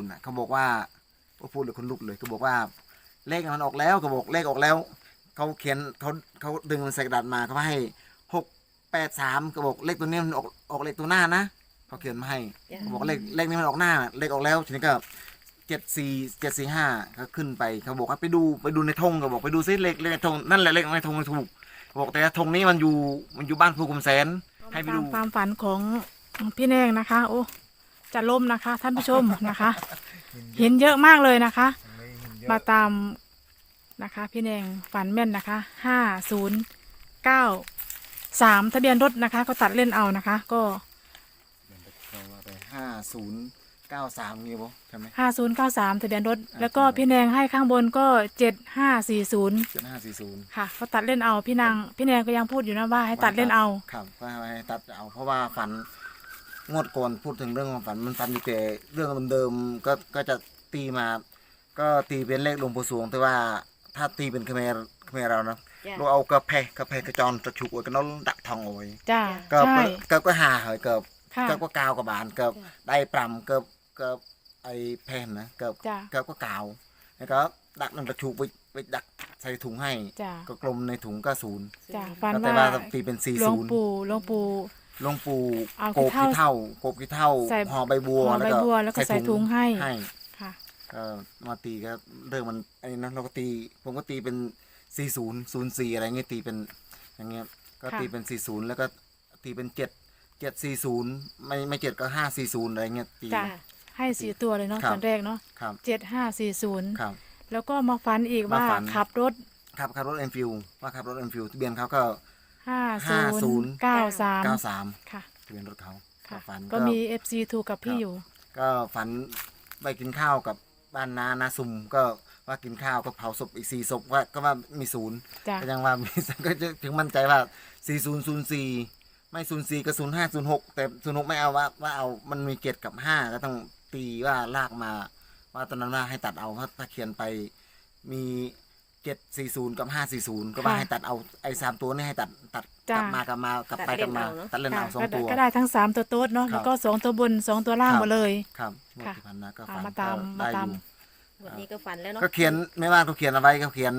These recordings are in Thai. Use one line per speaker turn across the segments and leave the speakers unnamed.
น่ะเขาบอกว่าพูดเลยคนลุกเลยเขาบอกว่าเลขมันออกแล้วเขาบอกเลขออกแล้วเขาเขียนเขาดึงมันใส่กระดาษมาเขาให้683เขาบอกเลขตัวนี้มันออกเลขตัวหน้านะเขาเขียนมาให้เขาบอกเลขนี้มันออกหน้าเลขออกแล้วทีนี้ก็74745เขาขึ้นไปเขาบอกว่าไปดูในธงเขาบอกไปดูซิเลขในธงนั่นแหละเลขในธงมันถูกเขาบอกแต่ธงนี้มันอยู่บ้านภูกุมแสนให้ไปดู
ความฝันของพี่แนงนะคะโอ้จะล่มนะคะท่านผู้ชมนะคะ เห็นเยอะมากเลยนะคะมาตามนะคะพี่แนงฝันแม่นนะคะ5093ทะเบียนรถนะคะก็ตัดเล่นเอานะคะก็
เราไป5093นี่บ่ใช่ไหม
5093ทะเบียนรถแล้วก็พี่แนงให้ข้างบนก็7540ค่ะก็ตัดเล่นเอาพี่แนงก็ยังพูดอยู่นะว่าให้ตัดเล่นเอา
ครับก็ให้ตัดเอาเพราะว่าฝันงวดก่อนพูดถึงเรื่องความฝันมันฝันอยู่แต่เรื่องเดิมๆก็จะตีมาก็ตีเป็นเลขหลวงปู่สวงแต่ว่าถ้าตีเป็นเขมรเรานะเราเอากระเพกระจรตะฉุกไว้ก็น้องดักทองเอาไว้
จ้า
ก็หาเหยก็กาวกับบานก็ได้ปรำก็ไอแพนนะก็กาวแล้วก็ดักนั่งตะฉุกไปดักใส่ถุงให้ก็กลมในถุงก็0
ฝัน
ว่าตีเป็น40หลวงปู่โกบขี้เท่าห่อใบบัว
แล้วก็ใส่ถุงให้
ค่ะก็มาตีก็เรื่องมันไอ้นั้นเราก็ตีผมก็ตีเป็น4004อะไรเงี้ยตีเป็นอย่างเงี้ยก็ตีเป็น40แล้วก็ตีเป็น740ไม่7ก็540อะไรเงี้ยตี
ให้4ตัวเลยเนาะตอนแรกเนาะ7540
ครับ
แล้วก็มาฝันอีกว่าขับรถ
เอ็นฟิลว่าขับรถเอ็นฟิลทะเบียนเขาก็
5093ค่ะ
ทะเบียนรถเขา
ฝันก็มี FC ถูกกับพี่อยู่
ก็ฝันไปกินข้าวกับบ้านนาซุมก็ว่ากินข้าวก็เผาศพอีก4ศพก็ว่ามี0ก็ยังว่ามีก็ถึงมั่นใจว่า4004ไม่04ก็0506แต่06ไม่เอาว่าเอามันมี7กับ5ก็ต้องตีว่าลากมาว่าตอนนั้นว่าให้ตัดเอาเพราะถ้าเขียนไปมี740กับ540ก็ว่าให้ตัดเอาไอ้3ตัวนี้ให้ตัดกลับมาตัดเล่นเอา2ตัว
ก็ได้ทั้ง3ตัวโต๊ดเนาะแล้วก็2ตัวบน2ตัวล่างหมดเลย
ครับที่ผ่านมาก็ฝัน
มาตาม
วันนี้ก็ฝันแล้วเนาะ
ก็เขียนไม่ว่าเขาเขียนเอาไว้เขาเขียน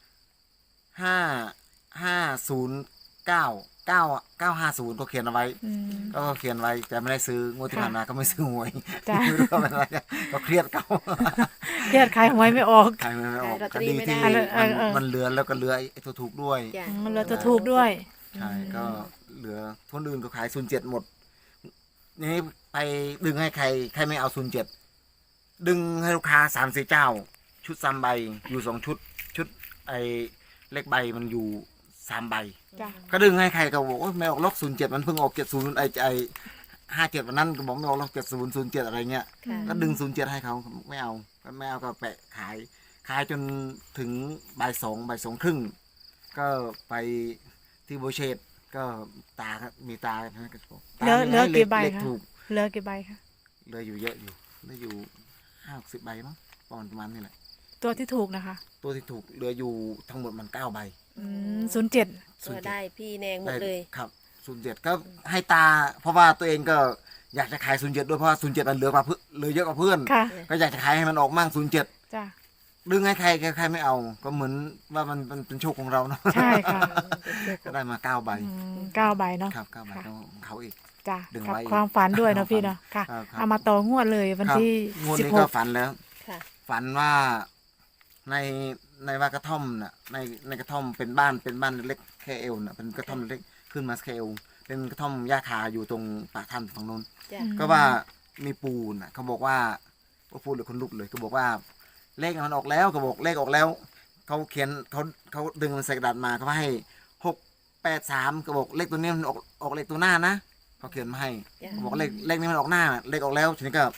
950ก็เขียนเอาไว้ก็เขียนไว้แต่ไม่ได้ซื้องวดที่ผ่านมาก็ไม่ซื้อหวยไม่รู้ว่าอะไรก็เครียดเขา
เครียดขายหวยไม่ออก
คดีที่มันเหลือแล้วก็เหลือไอ้ตัวถูกด้วย
มันเหลือตัวถูกด้วย
ใช่ก็เหลือคนอื่นก็ขาย07หมดนี่ไปดึงให้ใครไม่เอา07ดึงให้ลูกค้า3-4เจ้าชุด3ใบอยู่2ชุดไอ้เลขใบมันอยู่3ใบก็ดึงให้ใครก็บอกว่าไม่ออกล็อก07มันเพิ่งออก70ไอ้57วันนั้นก็บอกไม่ออกล็อก7007อะไรเงี้ยก็ดึง07ให้เขาไม่เอาก็แปะขายจนถึงบ่าย2ครึ่งก็ไปที่โบเชตก็มีตา
เหลือกี่ใบคะเหลือกี่ใบคะ
เหลืออยู่เยอะอยู่เหลืออยู่50 ใบมั้งประมาณนี้แหละ
ตัวที่ถูกนะคะ
ตัวที่ถูกเหลืออยู่ทั้งหมดมัน9 ใบ
07
ก็ได้พี่แนงหมดเลย
ครับ07ก็ให้ตาเพราะว่าตัวเองก็อยากจะขาย07ด้วยเพราะว่า07มันเหลือเยอะกว่าเพื่อนก็อยากจะขายให้มันออกมั่ง07
จ้ะ
ดึงให้ใครไม่เอาก็เหมือนว่ามันเป็นโชคของเราเนาะ
ใช่ค่ะ
ก็ได้มา9 ใบ
9 ใบเนาะ
ครับ9 ใบของเขาอีก
จ้ะกับความฝันด้วยเนาะพี่เนาะค่ะเอามาต่องวดเลยวันที่
งวดนี้ก็ฝันแล้วฝันว่าในว่ากระท่อมน่ะในกระท่อมเป็นบ้านเล็กแค่เอวน่ะเป็นกระท่อมเล็กขึ้นมาแค่เอวเป็นกระท่อมหญ้าคาอยู่ตรงปากถ้ำฝั่งโน้นก็ว่ามีปูน่ะเขาบอกว่าพูดเลยคนลุกเลยเขาบอกว่าเลขมันออกแล้วเขาบอกเลขออกแล้วเขาเขียนเขาดึงมันใส่กระดาษมาเขาให้683เขาบอกเลขตัวนี้มันออกเลขตัวหน้านะเขาเขียนมาให้เขาบอกเลขนี้มันออกหน้าเลขออกแล้วทีนี้ก็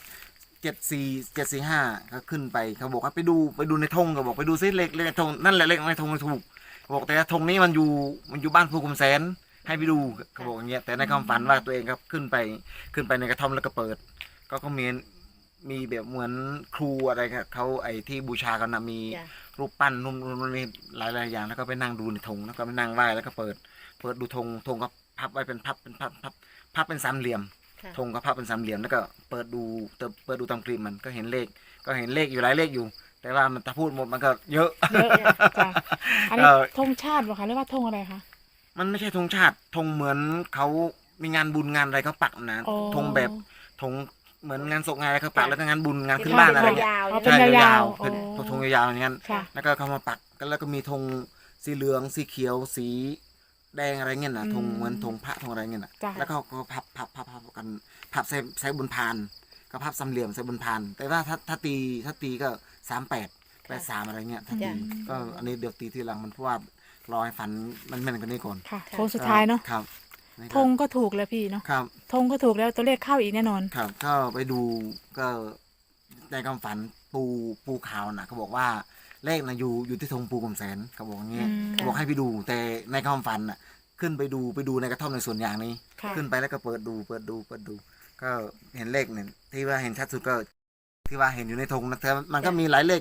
74745ก็ขึ้นไปเขาบอกว่าไปดูในธงเขาบอกไปดูซิเลขในธงนั่นแหละเลขในธงมันถูกเขาบอกแต่ธงนี้มันอยู่บ้านภูกุมแสนให้ไปดูเขาบอกอย่างเงี้ยแต่ในความฝันว่าตัวเองครับขึ้นไปในกระท่อมแล้วก็เปิดก็มีแบบเหมือนครูอะไรครับเขาไอ้ที่บูชากันนะมีรูปปั้นนุ่มมันมีหลายอย่างแล้วก็ไปนั่งดูในธงแล้วก็ไปนั่งไหว้แล้วก็เปิดดูธงก็พับไว้เป็นพับเป็น3 เหลี่ยม
ค่ะ
ธงก็พับเป็นสามเหลี่ยมแล้วก็เปิดดูตามคลิปมันก็เห็นเลขอยู่หลายเลขอยู่ แต่ว่ามันถ้าพูดหมดมันก็เยอะ
เยอะจ้ะอันนี้ธงชาติเหรอคะหรือว่าธงอะไรคะ
มันไม่ใช่ธงชาติธงเหมือนเขามีงานบุญงานอะไรเขาปักนะ
อ๋อ
ธงแบบธงเหมือนงานศพงานอะไรเขาปัก
จ้ะ
แล้วก็งานบุญงานขึ้น
เป็น
บ้านอะไรเงี้ย
ยาว
อ๋อ
ๆ
เป็น
ใช่
ยาวๆ
เป็น
อ๋อ
ธงยาวๆอย่างนั้น
ค่ะ
แล้วก็เขามาปักแล้วก็มีธงสีเหลืองสีเขียวสีแดงอะไรเงี้ยนะธงเหมือนธงพระธงอะไรเงี้ยนะ
จ้ะ
แล้วก็เขาก็พับกันพับใส่บนพานก็พับสามเหลี่ยมใส่บนพาน แต่ว่าถ้าตีก็38 83อะไรเงี้ยถ้าตี
จ้ะ
ก็อันนี้เดี๋ยวตีทีหลังมันเพราะว่ารอให้ฝันมันแม่นกว่านี้ก่อน
ค่ะโค้งสุดท้ายเนาะ
ครับ
ธงก็ถูกแล้วพี่เนาะ
ครับ
ธงก็ถูกแล้วตัวเลขเข้าอีกแน่นอน
ครับก็ไปดูก็ในความฝันปูขาวนะเขาบอกว่าเลขนะอยู่ที่ธงปูกำแสนเขาบอกอย่างเงี้ย
อืม
เขาบอกให้ไปดู แต่ในความฝันน่ะขึ้นไปดูในกระท่อมในสวนยางนี้
ค่ะ
ขึ้นไปแล้วก็เปิดดู ก็เห็นเลขเนี่ยที่ว่าเห็นชัดสุดก็ที่ว่าเห็นอยู่ในธงนะแต่มันก็มีหลายเลข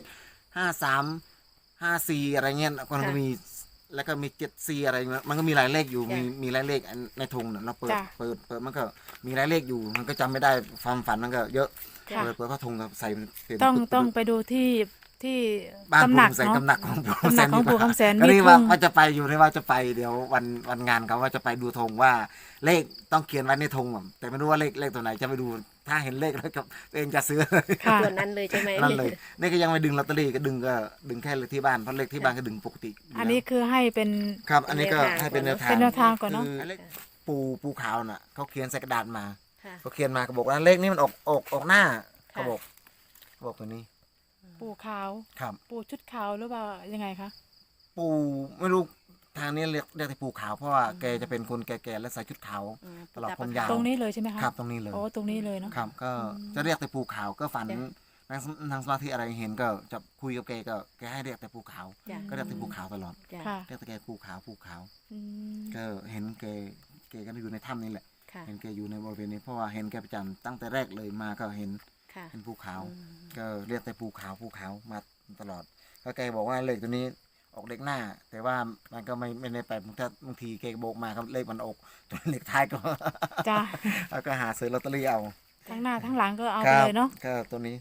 53 54อะไรเงี้ยมันก็มีแล้วก็มี74อะไรเงี้ยมันก็มีหลายเลขอยู่มีหลายเลขในธงน่ะเราเปิด
จ้ะ
เปิดมันก็มีหลายเลขอยู่ มันก็จำไม่ได้ความฝันมันก็เยอะ
ค่ะ
เปิดพระธงกับใส่เป็น
ต้องไปดูที่
บ้าน
ตำ
ปู่
หนัก
คำแสน
เนาะ
ตำหนักของปู่
ตำหนักของปู่คำแสน
ก็
มี
นี่
ธง
ว่าจะไปอยู่ในว่าจะไปเดี๋ยววันงานเขาว่าจะไปดูธงว่าเลขต้องเขียนไว้ในธงแบบแต่ไม่รู้ว่าเลขตัวไหนจะไปดูถ้าเห็นเลขแล้วก็ตัวเองจะซื้อ
ค่ะ
ส่วนนั้นเลยใช่ไหม
นั่นเลยนี่ก็ยังไม่ดึงลอตเตอรี่ก็ดึงแค่เลขที่บ้านเพราะเลขที่บ้านก็ดึงปกติยู่แล้ว
อันนี้คือให้เป็น
ครับ อันนี้ก็ให้เป็นแนวทาง
เป็นแนวทางก่อนเนอะ
คือเลขปูขาวน่ะเขาเขียนใส่กระดาษมา
ค่ะ
เขาเขียนมาเขาบอกว่าเลขนี้มันออกหน้าเขาบอกตัวนี้
ปูขาว
ครับ
ปูชุดขาวหรือว่ายังไงคะ
ปูไม่รู้ทางนี้เรียกแต่ปูขาวเพราะว่าแกจะเป็นคนแก่ๆและใส่ชุดขาว
อืม
ตลอดผมยาว
ตรงนี้เลยใช่ไหมคะ
ครับตรงนี้เลย
โอ้ตรงนี้เลยเนาะ
ครับ ก็จะเรียกแต่ปูขาวก็ฝัน
จ้ะ
นางสมาธิอะไรเห็นก็จะคุยกับแกก็แกให้เรียกแต่ปูขาว
จ้ะ
ก็เรียกแต่ปูขาวตลอด
จ้ะ
ค่ะ
เรียกแต่แกปูขาว
อืม
ก็เห็นแกก็อยู่ในถ้ำนี่แหละ
ค่ะ
เห็นแกอยู่ในบริเวณนี้เพราะว่าเห็นแกประจำตั้งแต่แรกเลยมาก็เห็น
ค่ะ
ภูเขา
อืม
ก็เรียกแต่ภูเขามาตลอดก็แกบอกว่าเลขตัวนี้ออกเลขหน้า แต่ว่ามันก็ไม่ได้ไปถ้าบางทีแกโบกมาครับเลขมันออกตัวเลขท้ายก็
จ้ะ
แล้วก็หาซื้อลอตเตอรี่เอา
ทั้งหน้าทั้งหลังก็เอา
ค
ไป
รับ
เลยเนาะ
ก็ตัวนี้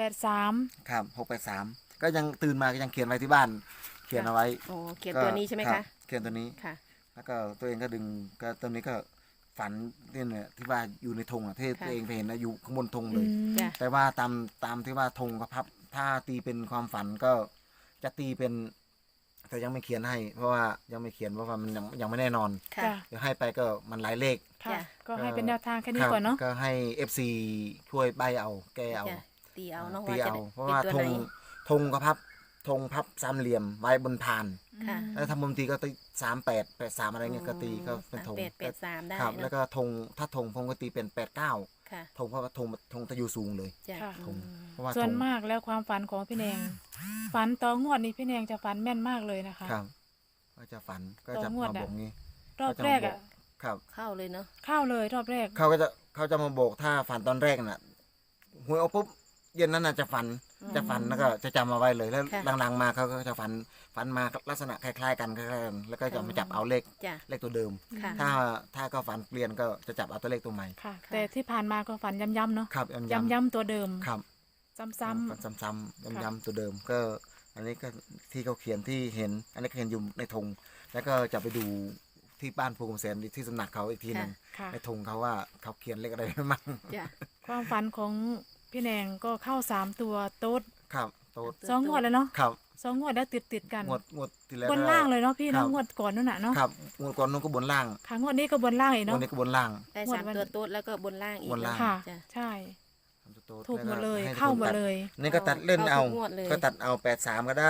683
ครับ683ก็ยังตื่นมาก็ยังเขียนไว้ที่บ้าน เขียนเอาไว้
โอ้เขียนตัวนี้ใช่ไหม
รั
คะ
บเขียนตัวนี้
ค่ะ
แล้วก็ตัวเองก็ดึงก็ตัวนี้ก็ฝันเนี่ยที่ว่าอยู่ในธงอ่ะที่
ค่ะ
ตัวเองไปเห็นนะอยู่ข้างบนธงเล
อื
ย
ม
จ้ะ
แต่ว่าตามที่ว่าธงกับพับถ้าตีเป็นความฝันก็จะตีเป็น แต่ยังไม่เขียนให้ เพราะว่ายังไม่เขียนเพราะว่ามันยังไม่แน่นอน
ค่ะ
จ้ะ
เดี๋ยวให้ไปก็มันหลายเลข
ค่ะ
จ้ะ
ก็ให้เป็นแนวทางแค่นี้
ครับ
ก่อนเนาะ
ก็ให้ FC ช่วยใบเอาแกเอา
จ้ะตีเอาเนาะ
ตี
ว่าจะ
เอา
ได้
เพราะ
เป็น
ว่า
ตัว
ธ
ไหน
งกับธงพับสามเหลี่ยมไว้บนพาน
ค่ะ
แล้วทำมุมตีก็ตี38 83อะไรเงี้ยก็ตีก็เป็นธง
38 83ได้
ครับ
เนอะ
แล้วก็ธงถ้าธงผมก็ตีเป็น89
ค่ะ
ธงเพราะว่าธงจะอยู่สูงเลย
จ้ะ
ค่ะ
ธง
อืม
เพราะว่า
ส่วน
ธง
มากแล้วความฝันของพี่แนง ฝันต่องวดนี้พี่แนงจะฝันแม่นมากเลยนะคะ
ครับ ก็จะฝันก็จะ
ต่องวด
มา
อะ
บอกงี้
รอบแรกอ่ะ
ครับ
เข้าเลยเนาะ
เข้าเลยรอบแรก
เขาจะมาบอกถ้าฝันตอนแรกน่ะหวยออกปุ๊บเย็นนั้นน่ะจะฝันแล้วก็จะจำมาไว้เลยแล้ว
ค่ะ
หลังๆมาเขาก็จะฝันมาลักษณะคล้ายๆกันแล้วก็จะมาจับเอาเลข
จ้ะ
ตัวเดิม
ค่ะ
ถ้าก็ฝันเปลี่ยนก็จะจับเอาตัวเลขตัวใหม่
ค่ะ แต่ที่ผ่านมาก็ฝันย้ำๆเนาะ
ครับย้ำ
ย้ำๆตัวเดิม
ครับ
ซ้ำ
ฝันซ้ำๆย้ำๆตัวเดิมก็ อันนี้ก็ที่เขาเขียนที่เห็น อันนี้ก็เห็นอยู่ในธงแล้วก็จะไปดูที่บ้านภูมิแสนที่สำนักเขาอีกทีหนึง
ๆค่ะ
ในธงเขาว่าเขาเขียนเลขอะไรไว้มั่ง
จ้ะ
ความฝันของพี่แนงก็เข้า3ตัวโต๊ด
ครับโต๊ด
สองงวดแล้วเนาะ
ครับ
2 งวดแล้วติดกัน
งวดที่แล้ว
บนล่างเลยเนาะพี่
ครั
เนาะ
บ
งวดก่อนนู่นน่ะเนาะ
ครับงวดก่อนนู้นก็บนล่าง
ค่ะงวดนี้ก็บนล่างอีก
งว
เนาะ
ดนี้ก็บนล่าง
ได้
งวด
สาม
วัน
ตัวโต๊ดแล้วก็บนล่างอีก
บนล่าง
เนาะ
ค่ะ
จ้ะ
ใช่
โต๊ด
ถูกหมดเลย
แว
เข้าหมด
ตั
เลย
นี่ก็ตัดเล่นเอา
เข้าทุกงวดเลย
ก็ตัดเอา83ก็ได้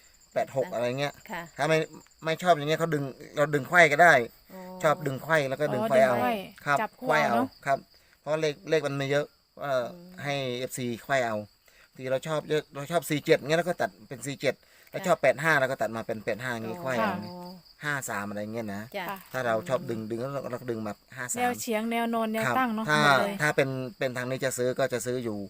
86อะไรเงี้ย
ค่ะ
ถ้าไม่ชอบอย่างเงี้ยเขาเราดึงไขว้ก็ได้ ชอบดึงไขว้แล้วก็ดึงไขว้เอา
ดึงไขว้
ครับ
จับคู่
ไขว้
เอา
เอา
เนอะ
ครับ เพราะเลขมันไม่เยอะว่าให้ FC ไขว้เอาทีเราชอบเยอะเราชอบ47เงี้ยแล้วก็ตัดเป็น47แล้วชอบ85แล้วก็ตัดมาเป็น85อย่างงี้ไขว้เอา
อ๋อ
53อะไรเงี้ยนะ
จ้ะ
ค่ะ
ถ้าเราชอบดึงแล้วเราก็ดึงแบบ53
แนวเฉียงแนวนอนแนว
ครับ
ตั้งเนาะ
ถ้า
หมดเลย
ถ้าเป็นทางนี้จะซื้อก็จะซื้ออยู่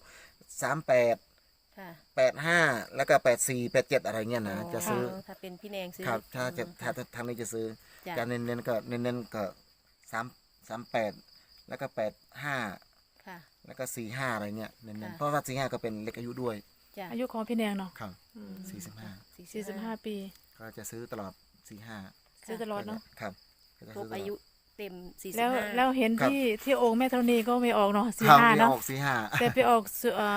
38
ค่ะ
85แล้วก็84 87อะไรเงี้ยนะจะซื้อ
ถ้าเป็นพี่แนงซื้อ
ครับถ้าทางนี้จะซื้อ
จ้ะ
จะเน้นก็38แล้วก็85
ค่ะ
แล้วก็45อะไรเนี่ยเน้น
ค่ะ
ๆเพราะว่า45ก็เป็นเลขอายุด้วย
จ้ะ
อายุของพี่แนงเนาะ
ครับ
อืม
45
45 ปี
ก็จะซื้อตลอด45
ซื้อตลอดเนาะ
ครับก็จะ
คร
ซื้
บ
ตลด
อายุเต็ม
แล้วเห็น
ครับ
ที่องค์แม่ธรณีก็ไม่ออกเนาะ
ครับ
45
ไม่
เนาะ
ออก45
แต่ไปออก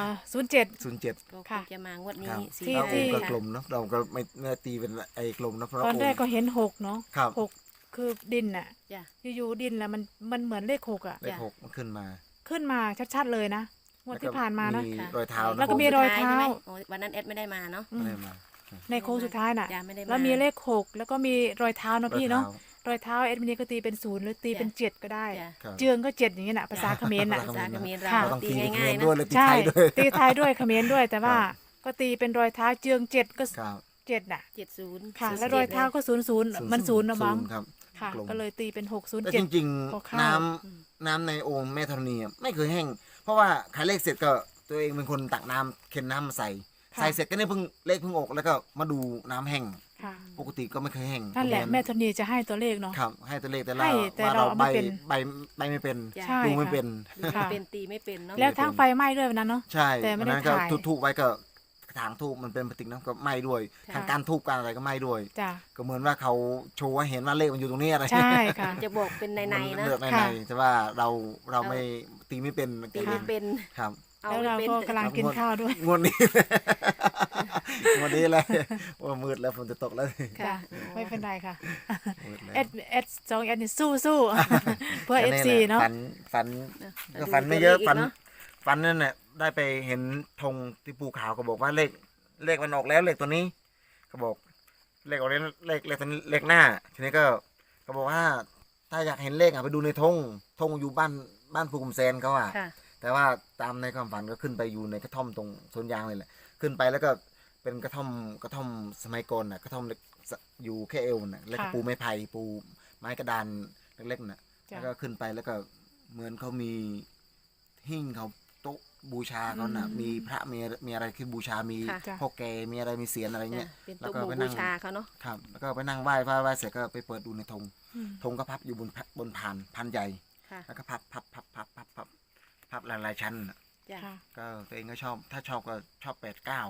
07
07
ก็ค
ค่ะ
งจะมางวด
ค
นี้
รับ
สี่
ที่
เรา
ห้า
องค์ก็
ค่ะ
กลมเนาะเราก็ไม่ตีเป็นไอ้กลมนะเพราะ
ตอนแรก
งค์
ก็เห็น6เนาะ
ครับ
6คือดินน่ะ
จ้ะ
อยู่ๆดินแล้วมันเหมือนเลข6อ่ะ
เลข6มันขึ้นมา
ขึ้นมาชัดๆเลยนะงวดที่ผ่านมานะ
มี
ค่ะ
รอยเท้านะ
แล้วก็มีรอยเท้า
ใช่ไหมโอ้วันนั้นแอดไม่ได้มาเนาะ
อืม
อะไรมา
ในโค้งสุดท้ายน่ะ
จ้ะไม่ได้มา
แล้วมีเลข6แล้วก็มีรอยเท้าเนาะพี่เนาะ
รอยท้
รอยเท้าเอ็ดมินก็ตีเป็น0หรือตีเป็น7ก็ได้
จ้ะ
ครับ
เจืองก็7อย่างเงี้ยน่ะภาษาเขมรน่ะ
ภาษาเขมรเรา
ค่ะ
เราต้อง
ตี
ตีเป็น
ง่าย
เขมร
ๆ
ด้วย
นะ
เลยตี
ใช่
ไทยด้วย
ตีไทยด้วยเขมรด้วยแต่ว่า
ครับ
ก็ตีเป็นรอยเท้าเจือง7ก็
ครับ
7น่ะ
70
ค่ะ แล้วรอยเท้าก็00มัน0นะมั้ง
ครับ
ค่ะ
กลม
ก็เลยตีเป็น
แต่จริง
พอ
ๆ
เข้า
น้ำในโอ่งแม่ธรณีอะไม่เคยแห้งเพราะว่าขายเลขเสร็จก็ตัวเองเป็นคนตักน้ำเค็นน้ำมาใส่
ค่ะ
ใส่เสร็จก็เนี่ยเพิ่งเลขเพิ่งออกแล้วก็มาดูน้ำแห้ง
ค่ะ
ปกติก็ไม่เคยแห้ง
นั่นแหละแม่ธรณีจะให้ตัวเลขเนาะ
ครับให้ตัวเลขแต่
ให้
เรา
แต่
ว่า
เรา
เรา
เอา
ใบ
ไม่เป็น
ใบใบไม่เป็น
จ้ะ
ใช่
ดูไม่เป็น
ดูไม่เป็นตีไม่เป็นเนาะ
แล้วทั้งไฟไหม้ด้วยวันนั้นเนาะ
ใช่
แต่ไม่
วัน
ได้
นั้นก็
ถ่าย
ทุบๆไว้ก็กระถางทูบมันเป็นพลาสติกนะก็ไหม้ด้วย
ค่ะ
ทางการทูบการอะไรก็ไหม้ด้วย
จ้ะ
ก็เหมือนว่าเขาโชว์ให้เห็นว่าเลขมันอยู่ตรงนี้อะไร
ใช่ค่ะ
จะบอกเป็นใน
มั
ๆนะ
เลือกใน
ค่ะ
ๆแต่ว่าเราไม่ตีไม่เป็น
ตีไม่เป็น
ครับ
เอา
แล้ว
ไม่
เรา
เป็น
ก็กำลังกินข้าวด้วย
งวดนี้ งวดนี้เลยว่ามืดแล้วฝนจะตกแล้ว
ค่ะ
ไม่เป็นไรค่ะ
มืดแล้ว
เอส2เอสนี่สู้เพื่อ
แต่
FC
แหล
เนาะ
ฝัน
นะ
ก็ฝันไม่เยอะ
ดูตัวลขก
ฝันนั่นแหละได้ไปเห็นธงที่ภูเขาก็บอกว่าเลขมันออกแล้วเลขตัวนี้ก็บอกเลขออกแล้วเลขตัวนี้เลขหน้า ทีนี้ก็บอกว่า ถ้าอยากเห็นเลขไปดูในธงอยู่บ้านภูกุมแซนเขาอ่ะ
ค่ะ
แต่ว่าตามในความฝันก็ขึ้นไปอยู่ในกระท่อมตรงสวนยางเลยแหละขึ้นไปแล้วก็เป็นกระท่อมสมัยก่อนน่ะกระท่อมเล็กอยู่แค่เอวน่ะแล้วก็
ค่ะ
ปูไม้ไผ่ปูไม้กระดานเล็กๆน่ะ
จ้ะ
แล้วก็ขึ้นไปแล้วก็เหมือนเขามีหิ้งเขาโต๊ะบูชาเขาน่ะ มีพระมีอะไรคือบูชามี
ค่ะ
จ้ะ
พ่อแกมีอะไรมีเสียนอะไร
จ้ะ
เงี้ย
เป็น
แล้ว
ตัว
ก็
หมู่
ไปนั่
บู
ง
ชาเขาเนาะ
ครับแล้วก็ไปนั่งไหว้เสร็จก็ไปเปิดดูในธง
อืม
ธงก็พับอยู่บนพานใหญ่
ค่ะ
แล้วก็พับหลายๆชั้นน่ะ
จ้ะ
ค่ะ
ก็ตัวเองก็ชอบถ้าชอบก็ชอบ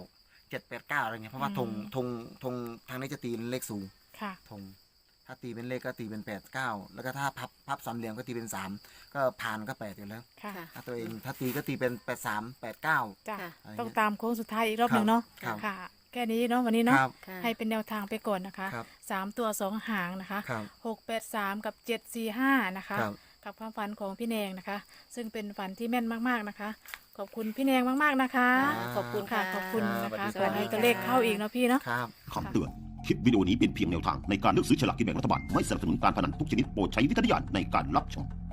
789อะไรเงี้ยเพราะว่า
อื
ธ
ม
งทางนี้จะตีเป็นเลขสูง
ค่ะ
ธงถ้าตีเป็นเลขก็ตีเป็น89แล้วก็ถ้าพับสามเหลี่ยมก็ตีเป็น3ก็ผ่านก็8อยู่แล้ว
ค่ะ
ค่ะ
ถ้าตัวเองถ้าตีก็ตีเป็น83 89
จ้ะ
ค่ะ
ต้องตามโค้งสุดท้ายอีกรอบหนึ่งเนาะ
ครับ
ค่ะ แค่นี้เนาะวันนี้
ค
เนาะ
รับ
ค่ะ
ให้เป็นแนวทางไปก่อนนะคะ
ครับ
3 ตัว2หางนะคะ
ครับ
683 กับ 745 นะคะ
ครับ
กับความฝันของพี่แนงนะคะ ซึ่งเป็นฝันที่แม่นมากๆนะคะ ขอบคุณพี่แนงมากๆนะคะ
ขอบคุณ
ค่ะ
ค่ะ
ขอบคุณนะ
สวัส
คะ
ดี
ขอให้ตัวเลขเข้าอีกเนาะพี่เนาะ
ครับ
คำเตือน คลิปวิดีโอนี้เป็นเพียงแนวทางในการเลือกซื้อฉลากกินแบ่งรัฐบาล ไม่สนับสนุนการพนันทุกชนิดโปรดใช้วิจารณญาณในการรับชม